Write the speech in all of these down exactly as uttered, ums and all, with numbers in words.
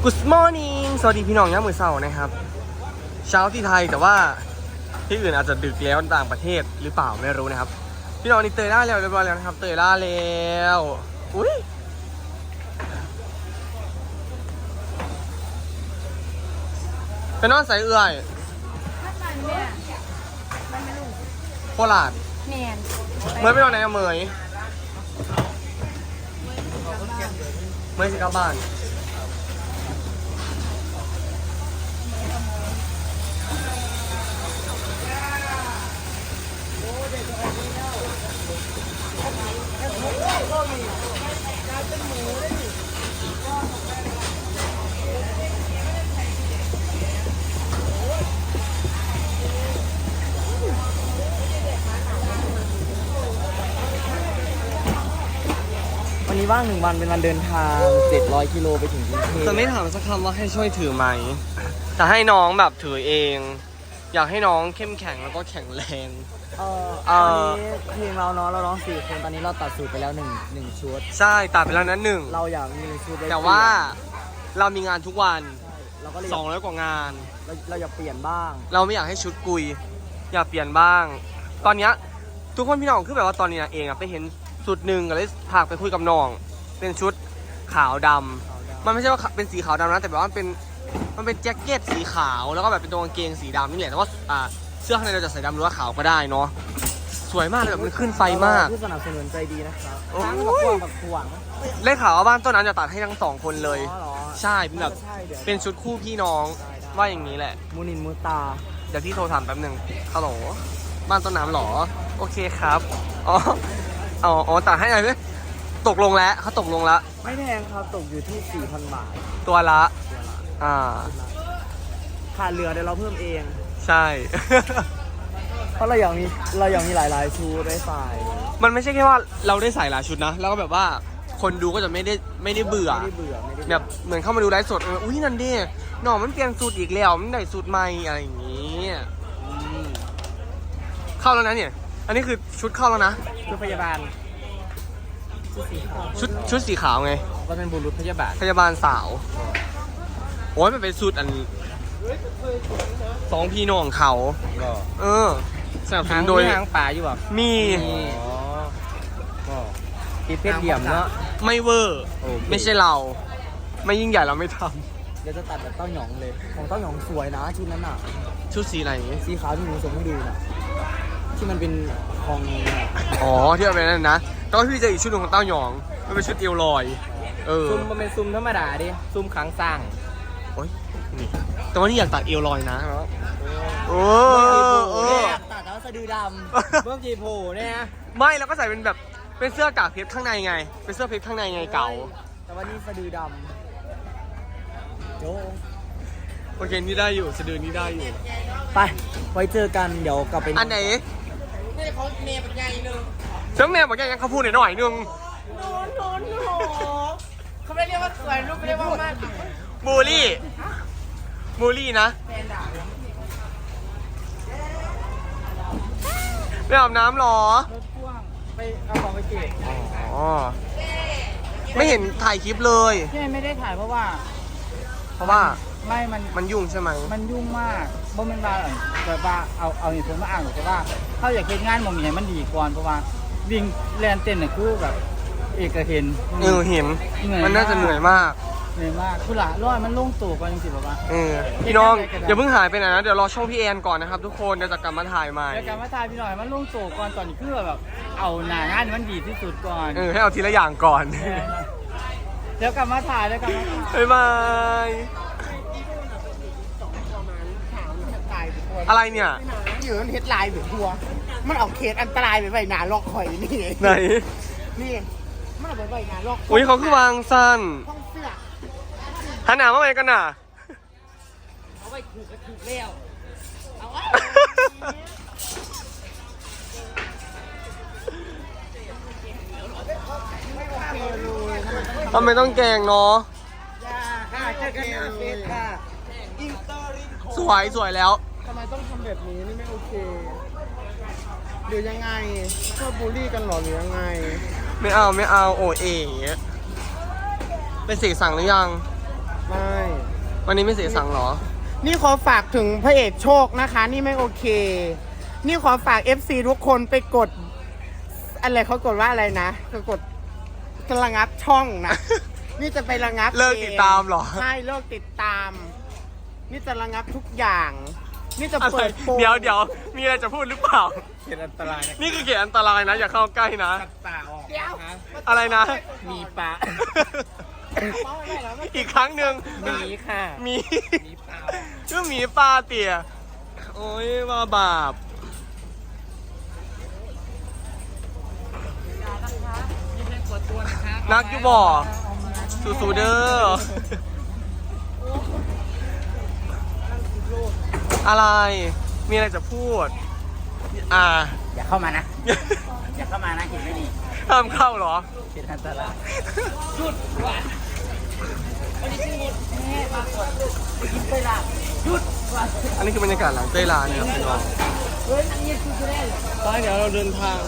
Good morning สวัสดีพี่น้องย่ามมือเสาร์นะครับเช้าที่ไทยแต่ว่าที่อื่นอาจจะดึกแล้วต่างประเทศหรือเปล่าไม่รู้นะครับพี่น้องนี่เตยล่าแล้วเรียบร้อยแล้วนะครับเตยล่าแล้วอุ้ยไปนอนใส่เอื่อยโคราชเมย์ไปนอนไหนอะเมย์เมย์สิกลับบ้านวันนี้ว่างหนึ่งวันเป็นวันเดินทางเจ็ดร้อยกิโลไปถึงกรุงเทพจะไม่ถามสักคำว่าให้ช่วยถือไหมแต่ให้น้องแบบถือเอง อยากให้น้องเข้มแข็งแล้วก็แข็งแรงเออเอ่อวันนี้เพลงเราเนาะเราร้องสี่คนตอนนี้เราตัดสูตรไปแล้วหนึ่งหนึ่งชุดใช่ตัดไปแล้วนั้นหนึ่งเราอยากมีหนึ่งชุดไแต่ว่าเรามีงานทุกวันใช่เราก็เลยสองร้อยกว่างานเราเราอยากเปลี่ยนบ้างเราไม่อยากให้ชุดกุย อยากเปลี่ยนบ้าง ตอนเนี้ยทุกคนพี่น้องคือแบบว่าตอนนี้นะเองอะไปเห็นสุดหนึ่งก็เลยพาไปคุยกับน้อง เป็นชุดขาวดำมันไม่ใช่ว่าเป็นสีขาวดำนะแต่แบบว่ามันเป็นมันเป็นแจ็คเก็ตสีขาวแล้วก็แบบเป็นตัวกางเกงสีดำนี่แหละแต่ว่าอ่าเสื้อข้างในเราจะใส่ดำหรือว่าขาวก็ได้เนาะสวยมากเลยแบบมันขึ้นไฟมากผู้สนับสนุนใจดีนะครับโอ้ยทั้งกับพวกกับขวางได้ข่าวว่าบ้านต้นนั้นจะตัดให้ทั้งสองคนเลยอ๋อเหรอใช่เป็นแบบใช่ดี๋ยวเป็นชุดคู่พี่น้องว่าอย่างนี้แหละมูนินมูตาเดี๋ยวพี่โทรถามแป๊บหนึ่งฮัลโหลบ้านต้นน้ำหรอโอเคครับอ๋ออ๋ออ๋อตัดให้หน่อยไหมตกลงแล้วเขาตกลงแล้วไม่แพงครับตกอยู่ที่ สี่พัน บาทตัวละอ่าขาดเหลือเดี๋ยวเราเพิ่มเองใช่เพราะเราอยากมีเราอยากมีหลายๆชุดได้ใส่มันไม่ใช่แค่ว่าเราได้ใส่หลายชุดนะ แล้วก็แบบว่าคนดูก็จะไม่ได้ไม่ได้เบื่อไม่ได้เบื่อไม่ได้แบบเหมือนเข้ามาดูไลฟ์สดเอออุ้ยนั่นดิหน่อมันเปลี่ยนสูตรอีกแล้วมันได้สูตรใหม่อะไรอย่างนี้อืมเข้าแล้วนะเนี่ย อันนี้คือชุดเข้าแล้วนะชุดพยาบาลชุดสีขาวชุดชุดสีขาวไงก็เป็นบุรุษพยาบาลพยาบาลสาว โอ้ยมันเป็นสูตรอันสองพี่น้องเขาก็เออสนับสนุนโดยหางป่าอยู่แบบมีก็ตีเพชรเหลี่ยมเนาะไม่เวอร์โอเคไม่ใช่เรา ไม่ยิ่งใหญ่เราไม่ทเดี๋ยวจะตัดแบบเต้าหยองเลยของเต้าหยองสวยนะชุดนั้นอ่ะำชุดสีอะไรสีขาวที่หนูส่งให้ดูน่ะที่มันเป็นทองอ๋อที่เอาไปนั่นนะแตอนพี่เจออีกชุดหนึ่งของเต้าหยอง มันเป็นชุดเอวลอย เออซุ่มมันเป็นซุ่มธรรมดาดิซุ่มขังสร้างโอ้ยนี่แต่ว่านี่อยากตัดเอวลอยนะโอ้เออตัดแล้วสะดือดำเบิ่มจีโผเนี่ยนะไม่แล้วก็ใส่เป็นแบบเป็นเสื้อกากเพชรข้างในไง เป็นเสื้อเพชรข้างในไงเก่าแต่ว่านี่สะดือดำโอ้โอเคนี่ได้อยู่สะดือนี่ได้อยู่ไปไว้เจอกันเดี๋ยวกลับไปอันไหนนี่เขาเมย์เป็นไงนึงเจ้าแม่บอกยังเขาพูดหน่อยหน่อยนึงโน้นโน้นโน้เขาไม่เรียกว่าสวยลูกไม่เรียกว่ามากบูลลี่บูลลี่นะไปอาบน้ำหรอรถพ่วงไปเอาของไปเก็บอ๋อไม่เห็นถ่ายคลิปเลยที่ไม่ได้ถ่ายเพราะว่าเพราะว่าไม่มันมันยุ่งใช่ไหมมันยุ่งมากเพราะมันว่าแบบว่าเอาเอาเหตุผลมาอ้างแต่ว่าเขาอยากเฮ็ดงานมองอย่างมันดีก่อนเพราะว่าวิ่งแลนเต้นน่ะคือแบบเอกเห็นเออเห็น มันน่าจะเหนื่อยมากเหนื่อยมากคือละร้อยมันลงตัวก่อนจริงๆแบบว่าเออพี่น้องอย่าเพิ่งหายไปไหนนะเดี๋ยวรอช่องพี่แอนก่อนนะครับทุกคนเดี๋ยวจะกลับมาถ่ายใหม่แล้วการมาถ่ายพี่หน่อยมันลงตัวก่อนตอนนี้คือแบบเอาหน้างานมันดีที่สุดก่อนเออให้เอาทีละอย่างก่อนเดี๋ยวกลับมาถ่ายแล้วกลับมาถ่ายบ๊ายบาย อะไรเนี่ยอยู่มันเฮ็ดลายแบบทัวมันเอาเคสอันตรายไปไว้หนาล็อกข่อยนี่ไหนนี่ มันเอาไปไว้หนาล็อกอุ้ยเขาคือวางสั้นห้องเสื้อหันหน้ามาไหนกันน่ะเอาไว้ถูกก็ถูกแล้ว เอาไว้ทำไมต้องแกงเนาะค่ะเจอกันหน้าเฟซค่ะ อินเตอร์รินโคสวยสวยแล้วทำไมต้องทำแบบนี้นี่ไม่โอเคหรือยังไงชอบบูลลี่กันหรอหรือยังไงไม่เอาไม่เอาโอเอ๋เป็นสีสั่งหรือยังไม่วันนี้ไม่เสียสั่งเหรอนี่ขอฝากถึงพระเอกโชคนะคะ นี่ไม่โอเค นี่ขอฝาก เอฟ ซี ทุกคนไปกด อะไรเขากดว่าอะไรนะเขากดระงับช่องนะ นี่จะไประงับเลิกติดตามเหรอใช่เลิกติดตาม นี่จะระงับทุกอย่าง นี่จะอะไรเปิดโปงเดี๋ยวเดี๋ยวมีอะไรจะพูดหรือเปล่าเขียนอันตรายนะนี่คือเขตอันตรายนะ อย่าเข้าใกล้นะตัดตาออกเดี๋ยวนะอะไรนะมีปลาอีกครั้งหนึ่งมีค่ะมีมีปลาชื่อหมีปลาเตี่ยโอ้ยว่าบาปนักอยูบ่สูสูเด้ออะไร มีอะไรจะพูด อ่าอย่าเข้ามานะ อย่าเข้ามานะเห็นไม่ดีห้ามเข้าเหรอเขียนอันตรายอันนี้คือบรรยากาศหลังเต้ยลาเนี่ยครับพี่น้องไปเดี๋ยวเราเดินทาง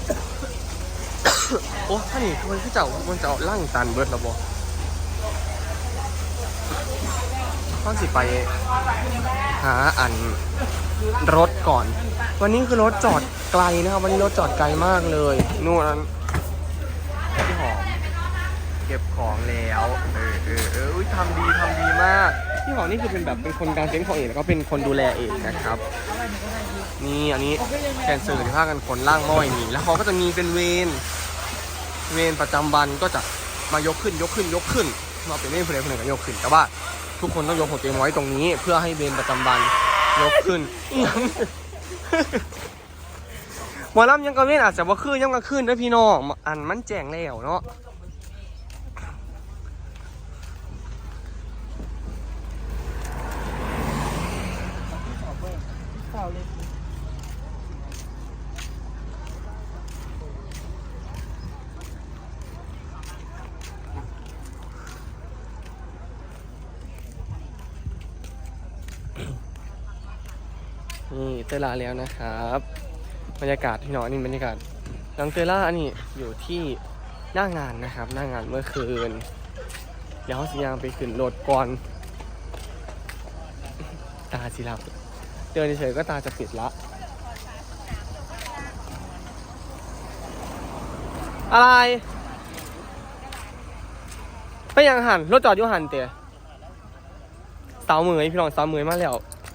โอ้ท่านนี่มันคือเจ้ามันจะเอาล่างตันเบิร์ดแล้วบ่ต้องสิไปหาอันรถก่อน วันนี้คือรถจอดไกลนะครับ วันนี้รถจอดไกลมากเลยนู่นพี่หอมเก็บของแล้วเออเออเอออุ๊ยทำดีทำดีมากพี่หอมนี่คือเป็นแบบเป็นคนกลางเต็นท์ของเองแล้วก็เป็นคนดูแลเองนะครับ นี่อันนี้แกนเซอร์ที่พากันขนล่างม้อยนี่แล้วเขาก็จะมีเป็นเวรเวรประจำวันก็จะมายกขึ้นยกขึ้นยกขึ้นมาเป็นเวรคนใดคนหนึ่งก็ยกขึ้นแต่ว่าทุกคนต้องยกหัวเตียงไว้ตรงนี้ เพื่อให้เวรประจำวันยกขึ้นหมอลำยังกระเวนอาจจะว่าขึ้นยังกระขึ้นด้วยพี่น้องอันมันแจ้งแล้วเนาะนี่เตยล่าแล้วนะครับบรรยากาศพี่น้องนี่บรรยากาศน้องเตยล่าอันนี้อยู่ที่หน้างานนะครับ หน้างานเมื่อคืนเดี๋ยวเขาสิยางไปขึ้นรถก่อนตาสิลับเดินเฉยๆก็ตาจะปิดละอะไรไปยังหันรถจอดอยู่หันเตะสาวเหมยพี่น้องสาวเหมยมาแล้ว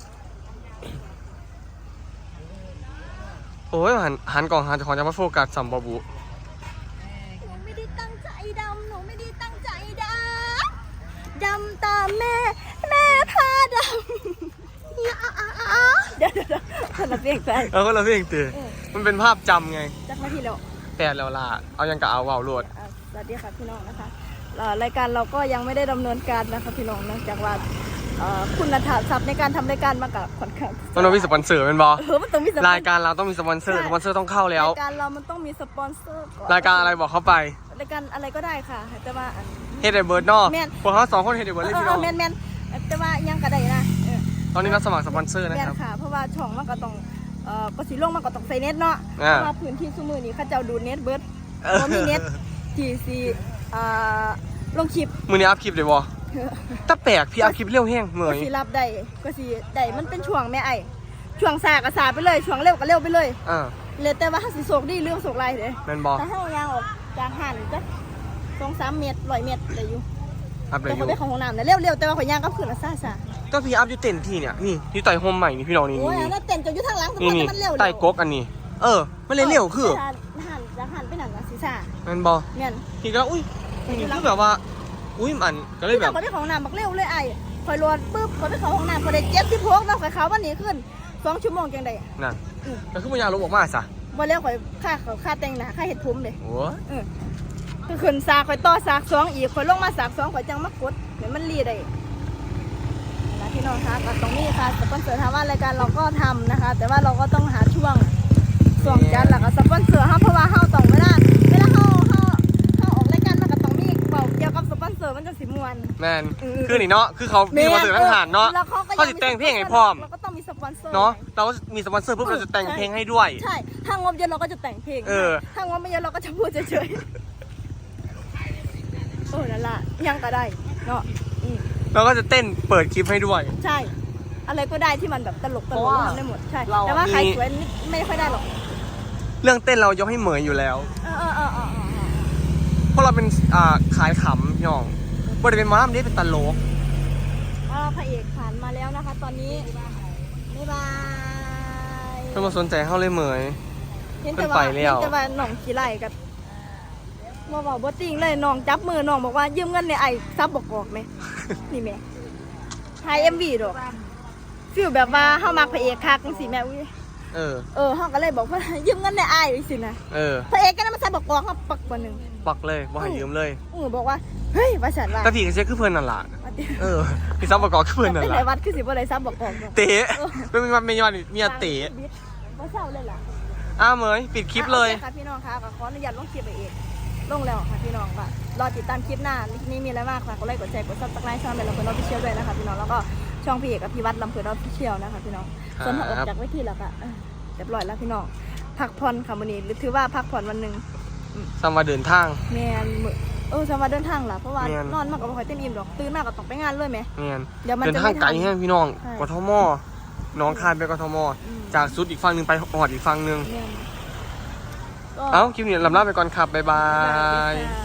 โอ้ยหันหันกล่องหันจะขอจะมาโฟกัสสัมบบุหนูไม่ได้ตั้งใจดำ หนูไม่ได้ตั้งใจดำ ดำตามแม่ แม่พาดำอย่าเดี๋ยวเดี๋ยวคนละเพลงไปแล้วก็เราเพียงเตะมันเป็นภาพจำไงจากมาที่แล้วแต่แล้วล่ะเอายังกะเอาเบาโหลดอ่ะสวัสดีค่ะพี่น้องนะคะเอ่อรายการเราก็ยังไม่ได้ดำเนินการนะคะพี่น้องเนื่องจากว่าเอ่อคุณธรรมในการทำรายการมากับค่อนข้างมันต้องมีสปอนเซอร์เป็นบอเออมันต้องมีสปอนรายการเราต้องมีสปอนเซอร์สปอนเซอร์ต้องเข้าแล้วรายการเรามันต้องมีสปอนเซอร์ก่อนรายการอะไรบอกเข้าไปรายการอะไรก็ได้ค่ะแต่ว่าอันเฮดเดเบิร์ดเนอะแม่นพวกเขาสองคนเฮดเดเบิร์ดเอเลยอพี่เอน้ออง แมนแมนแต่ว่ายังก็ได้นะเออตอนนี้รับสมัครสปอนเซอร์นะแม่ครับนค่ะเพราะว่าช่องมันก็ต้องเอ่อก็สิลงมันก็ต้องใส่เน็ตเนาะเพอ่าราะว่าพื้นที่ซุมือนี้เขาเจ้าดูดเน็ตเบิดเออบ่มีเน็ตที่สิอ่าลงคลิปมือนี้อัพคลิปเลยบอถ้าแปลกพี่อัพคลิปเร็วแห้งเหมก็ยสิรับได้ก็สิได้มันเป็นช่วงแม่ไอ้ช่วงซาก็ซาไปเลยช่วงเร็วก็เร็วไปเลยอ่าเลยแต่ว่าถ้าสิโศกดีเรื่องโศกไรเด้แมนบอถ้าเฮายางออกจากหันจักสองสามเมตรร้อยเมตรได้อยู่อัพเลยแต่อเขายู่ไปเข้าห้องน้ำนะเร็วๆแต่ว่าข่อยย่างกลับคืนละซ่าซาก็พี่อัพอยู่เต็นที่เนี่ยนี่ที่ไต่โฮมใหม่นี่พี่น้องนี่โอ้ยนี่อันนั้นเต้นจนอยู่ทางหลังสมนี่มตินี่มันเร็วไต่ก๊กอันนี้ เออมันเลยเร็วคือหันหันจากหันไปหนังนะศีรษะแมนบอแม่นพี่ก็อุ้ยนี่คือแบบว่าอุ้ยมันก็เลยที่แบเราบไปไปของน้ำบักเร็วเลยไอ้คอยรวนปุ๊บคอยไปเขาห้องน้ำคอยได้เจ็บที่พกแล้วคอยเขาวันนี้ขึ้นสองชั่วโมงจังไดนั่นอืมก็คือมันยาลบออกมาซะวันแล้วคอยค่าเขาค่าแต่งหน้าค่าเห็ดผมเลยโอ้คือขึ้นสากคอยต่อสากสองอีกคอยลงมาสากสองคอยจังมากดเหมือนมันรีได้นะพี่น้องคะก็ตรงนี้ค่ะสปอนเซอร์ทำว่ารายการเราก็ทำนะคะ แต่ว่าเราก็ต้องหาช่วงช่วงจัดแล้วก็สปอนเซอร์เขาเพราะว่าเขาต้องเวลาเวลาเขาเขาเขาออกรายการมันก็ต้องมีเบาเกี่ยวกับสปอนเซอร์มันจะสิมวนแมนคือนี่เนาะคือเขามีสปอนเซอร์ทั้งหารเนาะแล้วก็เขาจะแต่งเพลงให้พร้อมเราก็ต้องมีสปอนเซอร์เนาะเราก็มีสปอนเซอร์ปุ๊บเราจะแต่งเพลงให้ด้วยใช่ถ้างบเยอะเราก็จะแต่งเพลงเออถ้างบไม่เยอะเราก็จะพูดเฉยๆโอ้นั่นล่ะยังก็ได้เนาะอืมแล้วก็จะเต้นเปิดคลิปให้ด้วยใช่ อะไรก็ได้ที่มันแบบตลกตเพลราะกว่าทำได้หมดใช่เราแต่ว่าใครมีสวยนี่ไม่ค่อยได้หรอกเรื่องเต้นเรายกให้เหมยอยู่แล้วเออเออเออเออเออเออเพราะเราเป็นอ่าขายขำพี่น้องบ่ได้เป็นหมอลำนี่เป็นตลกเอาพระเอกผ่านมาแล้วนะคะ ตอนนี้บ๊ายบายเพิ่นมาสนใจเฮาเลยเหมยเห็นแต่ว่าเพิ่นไปแล้วเห็นแต่ว่าน้องขี้ไล่กับบ่เว้าบ่จริงเลยน้องจับมือน้องบอกว่ายืมเงินในไอ้ซับบอกออกไหม นี่แม่ถ่าย เอ็ม วี ดอกฟีลแบบว่าเฮามักพระเอกคักจังซี่แม่อุ้ยเออเออเฮาก็เลยบอกว่า ยืมเงินในไอ้จังซี่นะเออพระเอกก็นำมาซับบอกออกเฮาปักบ่นึงปักเลยบ่ให้ยืมเลยอือบอกว่าเฮ้ยว่าฉันว่าแต่พี่ก็เช็คคือเพิ่นนั่นล่ะว่าติเออพี่ซับประกอบคือเพิ่นนั่นเป็นล่ะไหนวัดคือสิบ่ได้ซับบอกออกดอกเต๋เป็นมีวันมีวันมีอะเต๋บ่เศร้าเลยล่ะอ้าวเหมยปิดคลิปเลยโอคค่ะพี่น้องค่ะก็ขออนุญาตลงคลิปไปเองลงแล้วค่ะพี่น้องค่ะรอติดตามคลิปหน้าคลิปนี้มีอะไรมากค่ะกดไลค์กดแชร์กดซับสไครต์ช่องเบลล์เพื่อนออฟฟิเชียลด้วยนะคะพี่น้องแล้วก็ช่องพี่เอกกับพี่วัดลำเพลินออฟฟิเชียลนะคะพี่น้องส่วนถ้าออกจากเวทีแล้วก็เออเรียบร้อยแล้วพี่น้องพักผ่อนค่ะวันนี้หรือถือว่าพักผ่อนวันหนึ่งซัมมาเดินทางแมนมื้อเออสมาเดินทางล่ะเพราะว่าแม่นนอนมากกับบ่ค่อยเต็มอิ่มดอกตื่นมากก็ต้องไปงานเลยไหมเนียนเดี๋ยวมันเดินจะทางไม่ไกลทันแห้งพี่น้องใช่กทมน้องคายไปกทมอืมจากสุดอีกฝั่งหนึงไปหอดอีกฝั่งหนึงแม่นก็เอ้าคลิปนี้ลำลาไปก่อนครับบ๊ายบาบ๊ายบายยค่ะ